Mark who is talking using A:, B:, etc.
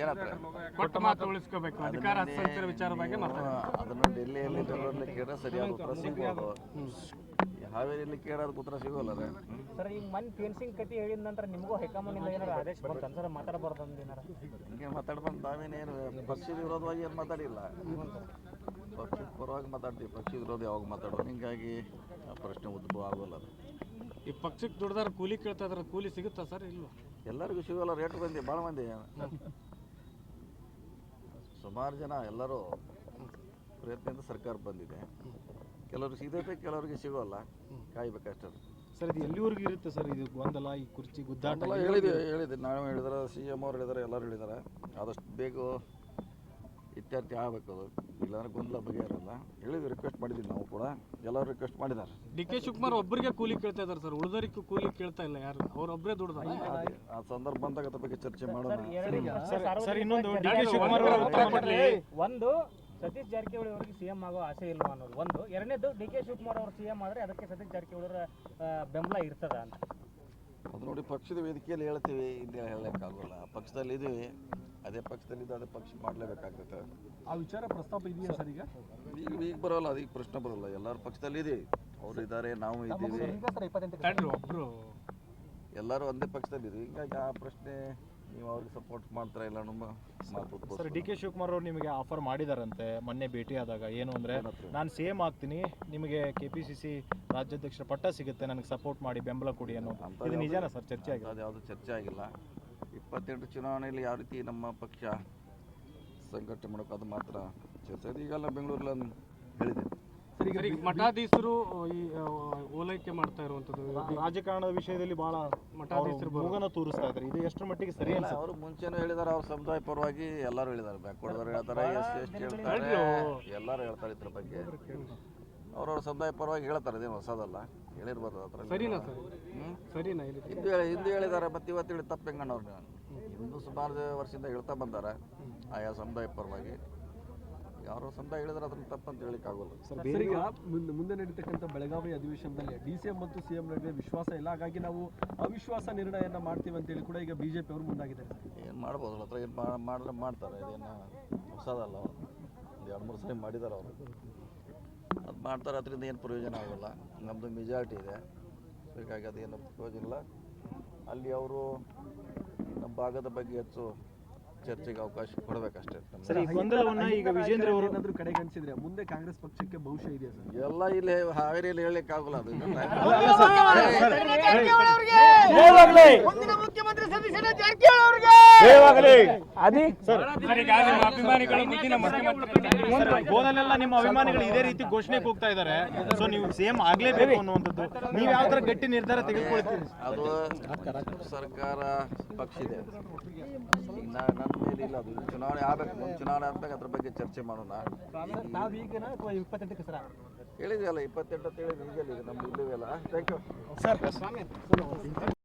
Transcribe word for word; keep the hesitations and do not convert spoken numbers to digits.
A: ಏನಂತಾರೆ
B: ಕೊಟ್ಟ ಮಾತು ಉಳಿಸ್ಕೋಬೇಕು ಅಧಿಕಾರ ಹಸ್ತಾಂತರ ವಿಚಾರ ಬಗ್ಗೆ ಮಾತಾಡೋದು.
A: ಅದನ್ನು ಡೆಲ್ಲಿಯಲ್ಲಿ ಬೆಂಗಳೂರಲ್ಲಿ ಕೇಳಿದ್ರೆ ಸರಿಯಾದ ಉತ್ತರ ಸಿಗ್ಬೋದು. ಹಾವೇರಿಯಲ್ಲಿ ಕೇಳೋದಕ್ಕೆ ಉತ್ತರ ಸಿಗೋಲ್ಲ ರೀ.
C: ಸರ್ ಈಗ ಮನ್ ಫೆನ್ಸಿಂಗ್ ಕತಿ ಹೇಳಿದ ನಂತರ ನಿಮಗೂ ಹೈಕಮಾಂಡಿಂದ ಏನಾರು ಆದೇಶ ಬಂತು ಸರ್ ಮಾತಾಡಬಾರ್ದು ಅಂತ ಏನಾರ
A: ಹಿಂಗೆ ಮಾತಾಡ್ಬಂದು ನಾವೇನೇನು ಪಕ್ಷದ ವಿರೋಧವಾಗಿ ಏನು ಮಾತಾಡಿಲ್ಲ, ಪಕ್ಷದ ಪರವಾಗಿ ಮಾತಾಡ್ತೀವಿ. ಪಕ್ಷದ ವಿರೋಧ ಯಾವಾಗ ಮಾತಾಡೋದು, ಹಿಂಗಾಗಿ ಆ ಪ್ರಶ್ನೆ ಉದ್ಭವ ಆಗೋಲ್ಲ. ಅದು
B: ಈ ಪಕ್ಷಕ್ಕೆ ದುಡ್ದಾರ ಕೂಲಿ ಕೇಳ್ತಾ ಇದ್ರೆ ಕೂಲಿ ಸಿಗುತ್ತಾ ಸರ್? ಇಲ್ವಾ?
A: ಎಲ್ಲರಿಗೂ ಸಿಗೋಲ್ಲ. ರೇಟ್ ಬಂದಿ ಭಾಳ ಮಂದಿ, ಸುಮಾರು ಜನ ಎಲ್ಲರೂ ಪ್ರಯತ್ನದಿಂದ ಸರ್ಕಾರ ಬಂದಿದೆ. ಕೆಲವ್ರಿಗೆ ಸಿಗಬೇಕು, ಕೆಲವರಿಗೆ ಸಿಗೋಲ್ಲ, ಕಾಯ್ಬೇಕಷ್ಟೇ.
D: ಸರ್ ಇದು ಎಲ್ಲಿವರೆಗೂ ಇರುತ್ತೆ ಸರ್ ಇದು ಗೊಂದಲ, ಈ ಕುರ್ಚಿ ಗುದ್ದಾಟ?
A: ಎಲ್ಲ ಹೇಳಿದೆ ಹೇಳಿದೆ ನಾವು ಹೇಳಿದಾರೆ, ಸಿ ಎಮ್ ಅವ್ರು ಹೇಳಿದಾರೆ, ಎಲ್ಲರೂ ಹೇಳಿದ್ದಾರೆ. ಆದಷ್ಟು ಬೇಗ ಇತ್ಯರ್ಥ ಆಗಬೇಕು. ಅದು ಇಲ್ಲಾಂದ್ರೆ ಗೊಂದಲ ಬಗೆಹರಲ್ಲ. ಹೇಳಿದ್ವಿ, ರಿಕ್ವೆಸ್ಟ್ ಮಾಡಿದ್ವಿ ನಾವು ಕೂಡ, ಎಲ್ಲರೂ ರಿಕ್ವೆಸ್ಟ್ ಮಾಡಿದ್ದಾರೆ.
B: ಡಿ ಕೆ ಶಿವಕುಮಾರ್ ಒಬ್ಬರಿಗೆ ಕೂಲಿ ಕೇಳ್ತಾ ಇದ್ದಾರೆ ಸರ್, ಉಳಿದವರಿಗೂ ಕೂಲಿ ಕೇಳ್ತಾ ಇಲ್ಲ. ಯಾರು ಅವ್ರೊಬ್ಬರೇ ದುಡ್ದಾರ.
A: ಆ ಸಂದರ್ಭ ಬಂದಾಗ ಅದ್ರ ಬಗ್ಗೆ ಚರ್ಚೆ ಮಾಡೋಣ.
D: ಸರ್ ಇನ್ನೊಂದು ಡಿ ಕೆ ಶಿವಕುಮಾರ್ ಅವರು ಉತ್ತರ ಕೊಡ್ಲಿ.
C: ಒಂದು ಸತೀಶ್ ಜಾರಕಿಹೊಳಿ ಅವರಿಗೆ ಸಿಎಂ ಆಗೋ ಆಸೆ ಇಲ್ವಾ ಅನ್ನೋದು ಒಂದು. ಎರಡನೇದು ಡಿ ಕೆ ಶಿವಕುಮಾರ್ ಅವರು ಸಿಎಂ ಆದರೆ ಅದಕ್ಕೆ ಸತೀಶ್ ಜಾರಕಿಹೊಳಿ ಅವರ ಬೆಂಬಲ ಇರ್ತದ ಅಂತ.
A: ಅದು ನೋಡಿ, ಪಕ್ಷದ ವೇದಿಕೆಯಲ್ಲಿ ಹೇಳ್ತೀವಿ, ಇಲ್ಲಿ ಹೇಳೋಕ್ಕಾಗೋಲ್ಲ. ಪಕ್ಷದಲ್ಲಿ ಇದೀವಿ, ಅದೇ ಪಕ್ಷದಲ್ಲಿದ್ದು ಅದೇ ಪಕ್ಷ ಮಾಡಲೇಬೇಕಾಗ್ತದೆ.
D: ಆ ವಿಚಾರ ಪ್ರಸ್ತಾಪ ಇದೆಯಾ ಸರ್? ಈಗ
A: ಈಗ ಈಗ ಬರೋಲ್ಲ, ಅದೀಗ ಪ್ರಶ್ನೆ ಬರೋಲ್ಲ. ಎಲ್ಲರೂ ಪಕ್ಷದಲ್ಲಿ ಇದೀವಿ, ಅವರು ಇದ್ದಾರೆ, ನಾವು ಇದ್ದೀವಿ,
B: ಒಬ್ರು
A: ಎಲ್ಲರೂ ಒಂದೇ ಪಕ್ಷದಲ್ಲಿ ಇದೀವಿ. ಹೀಗಾಗಿ ಆ ಪ್ರಶ್ನೆ ನೀವು ಅವ್ರಿಗೆ ಸಪೋರ್ಟ್ ಮಾಡ್ತಾರ ಇಲ್ಲ ನಮ್ಮ ಮಾತು.
D: ಸರ್ ಡಿ ಕೆ ಶಿವಕುಮಾರ್ ಅವರು ನಿಮಗೆ ಆಫರ್ ಮಾಡಿದಾರಂತೆ ಮೊನ್ನೆ ಭೇಟಿ ಆದಾಗ. ಏನು ಅಂದರೆ, ನಾನು ಸಿ ಎಂ ಆಗ್ತೀನಿ, ನಿಮಗೆ ಕೆ ಪಿ ಸಿ ಸಿ ರಾಜ್ಯಾಧ್ಯಕ್ಷರ ಪಟ್ಟ ಸಿಗುತ್ತೆ, ನನಗೆ ಸಪೋರ್ಟ್ ಮಾಡಿ, ಬೆಂಬಲ ಕೊಡಿ ಅನ್ನೋ. ಇದು ನಿಜಾನ ಸರ್? ಚರ್ಚೆ ಆಗಿದೆ?
A: ಅದು ಯಾವುದು ಚರ್ಚೆ ಆಗಿಲ್ಲ. ಇಪ್ಪತ್ತೆಂಟು ಚುನಾವಣೆಯಲ್ಲಿ ಯಾವ ರೀತಿ ನಮ್ಮ ಪಕ್ಷ ಸಂಘಟನೆ ಮಾಡೋಕೆ ಅದು ಮಾತ್ರ ಚರ್ಚೆ ಆಗಿದೆ. ಈಗೆಲ್ಲ ಬೆಂಗಳೂರಲ್ಲಿ ಹೇಳಿದೆ.
B: ಸರಿ, ಮಠಾಧೀಶರು ಈ ಓಲೈಕೆ ಮಾಡ್ತಾ ಇರುವಂಥದ್ದು
D: ರಾಜಕಾರಣದ ವಿಷಯದಲ್ಲಿ ಬಹಳ
B: ಮಠಾಧೀಶರು
D: ಮೂಗನ ತೋರಿಸ್ತಾ ಇದ್ದಾರೆ. ಇದು ಎಷ್ಟರ ಮಟ್ಟಿಗೆ ಸರಿ ಅಲ್ಲ?
A: ಅವರು ಮುಂಚೆನೂ ಹೇಳಿದ್ದಾರೆ, ಅವ್ರ ಸಮುದಾಯ ಪರವಾಗಿ ಎಲ್ಲರೂ ಹೇಳಿದ್ದಾರೆ. ಬ್ಯಾಕ್ವರ್ಡ್ದವ್ರು ಹೇಳ್ತಾರೆ, ಎಸ್ ಸಿ ಎಸ್ ಟಿ ಹೇಳ್ತಾರೆ, ಎಲ್ಲರೂ ಹೇಳ್ತಾರೆ ಇದ್ರ ಬಗ್ಗೆ. ಅವ್ರವ್ರ ಸಮುದಾಯ ಪರವಾಗಿ ಹೇಳ್ತಾರೆ, ಇದೇನು ಹೊಸದಲ್ಲ, ಹೇಳಿರ್ಬೋದು. ಅದ್ರ
B: ಸರಿನಾ ಸರ್? ಸರಿನಾ?
A: ಹಿಂದೂ ಹೇಳಿ ಹಿಂದೂ ಹೇಳಿದ್ದಾರೆ, ಮತ್ತೆ ಇವತ್ತು ಹೇಳಿ ತಪ್ಪು ಹೆಂಗಣ್ಣವ್ರು. ಹಿಂದೂ ಸುಮಾರು ವರ್ಷದಿಂದ ಹೇಳ್ತಾ ಬಂದಾರೆ ಆಯಾ ಸಮುದಾಯ ಪರವಾಗಿ. ಯಾರೋ ಸಮುದಾಯ ಹೇಳಿದ್ರೆ ಅದನ್ನು ತಪ್ಪಂತ ಹೇಳಿಕ್ಕಾಗೋಲ್ಲ.
E: ಸರ್ ಈಗ ಮುಂದೆ ಮುಂದೆ ನಡೀತಕ್ಕಂಥ ಬೆಳಗಾವಿ ಅಧಿವೇಶನದಲ್ಲಿ ಡಿ ಸಿ ಎಂ ಮತ್ತು ಸಿ ಎಂ ನಡುವೆ ವಿಶ್ವಾಸ ಇಲ್ಲ, ಹಾಗಾಗಿ ನಾವು ಅವಿಶ್ವಾಸ ನಿರ್ಣಯನ ಮಾಡ್ತೀವಿ ಅಂತೇಳಿ ಕೂಡ ಈಗ ಬಿ ಜೆ ಪಿ ಅವರು ಮುಂದಾಗಿದ್ದಾರೆ.
A: ಏನು ಮಾಡ್ಬೋದು, ಹತ್ರ ಏನು ಮಾಡಿದ್ರೆ ಮಾಡ್ತಾರೆ, ಇದೇನು ಹೊಸದಲ್ಲ. ಒಂದು ಎರಡು ಮೂರು ಸರಿ ಮಾಡಿದ್ದಾರೆ ಅವರು, ಅದು ಮಾಡ್ತಾರೆ. ಅದರಿಂದ ಏನು ಪ್ರಯೋಜನ ಆಗೋಲ್ಲ. ನಮ್ಮದು ಮೆಜಾರಿಟಿ ಇದೆ, ಹೀಗಾಗಿ ಅದೇನು ಪ್ರಯೋಜನ ಇಲ್ಲ. ಅಲ್ಲಿ ಅವರು ನಮ್ಮ ಭಾಗದ ಬಗ್ಗೆ ಹೆಚ್ಚು ಚರ್ಚೆಗೆ ಅವಕಾಶ ಕೊಡಬೇಕಷ್ಟೇ.
D: ಈಗ ವಿಜೇಂದ್ರ ಅವರು
E: ಏನಾದರೂ ಕಡೆಗಣಿಸಿದ್ರೆ ಮುಂದೆ ಕಾಂಗ್ರೆಸ್ ಪಕ್ಷಕ್ಕೆ ಭವಿಷ್ಯ ಇದೆಯಾ ಸರ್?
A: ಎಲ್ಲ ಇಲ್ಲಿ ಹಾವೇರಿಯಲ್ಲಿ ಹೇಳಲಿಕ್ಕೆ ಆಗೋಲ್ಲ. ಅದು
D: ಗೋದಲೆಲ್ಲ ನಿಮ್ಮ ಅಭಿಮಾನಿಗಳು ಇದೇ ರೀತಿ ಘೋಷಣೆ ಕೂಗ್ತಾ ಇದ್ದಾರೆ. ಸೊ ನೀವು ಸಿಎಂ ಆಗ್ಲೇಬೇಕು ಅನ್ನುವಂಥದ್ದು, ನೀವು ಯಾವ ತರ ಗಟ್ಟಿ ನಿರ್ಧಾರ ತೆಗೆದುಕೊಳ್ತೀರಿ?
A: ಅದು ಸರ್ಕಾರ ಪಕ್ಷ ಇದೆ, ನನ್ನ ಮೇಲೆ ಇಲ್ಲ. ಅದು ಚುನಾವಣೆ ಆಗಬೇಕು, ಚುನಾವಣೆ ಆದ್ಮೇಲೆ ಅದ್ರ ಬಗ್ಗೆ ಚರ್ಚೆ ಮಾಡೋಣ.
C: ನಾವೀಗನ ಅಥವಾ ಇಪ್ಪತ್ತೆಂಟಕ್ಕೆ ಸರ
A: ಹೇಳಿದ್ವಿ ಅಲ್ಲ, ಇಪ್ಪತ್ತೆಂಟು ಅಂತ ಹೇಳಿದ್ವಿ. ಈಗಲ್ಲ, ನಮ್ದು ಇಲ್ಲವೇ ಅಲ್ಲ. Thank you
C: sir.